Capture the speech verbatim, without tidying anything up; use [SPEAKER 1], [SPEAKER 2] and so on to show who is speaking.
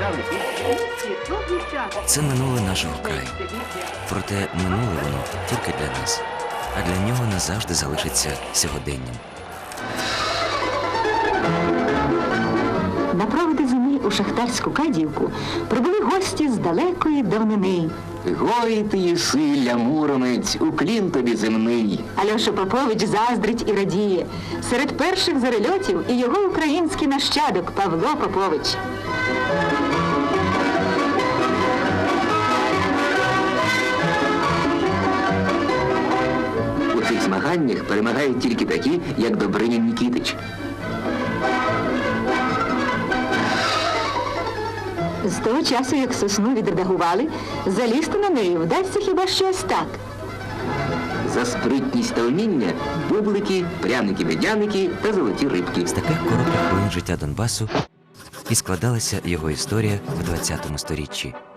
[SPEAKER 1] Це минуле нашого краю. Проте минуле воно тільки для нас, а для нього назавжди залишиться сьогоденням.
[SPEAKER 2] На проводи зими у шахтарську Кадіївку прибули гості з далекої давнини.
[SPEAKER 3] Гой ти єси, муромець, уклін тобі земний.
[SPEAKER 2] Альоша Попович заздрить і радіє. Серед перших зарельотів і його український нащадок Павло Попович.
[SPEAKER 3] У цих змаганнях перемагають тільки такі, як Добринін Нікітич.
[SPEAKER 2] З того часу, як сосну відредагували, залізти на неї вдасться хіба що ось так.
[SPEAKER 3] За спритність та вміння бублики, пряники-медяники та золоті рибки.
[SPEAKER 1] З таких коротких хвилин життя Донбасу і складалася його історія в двадцятому сторіччі.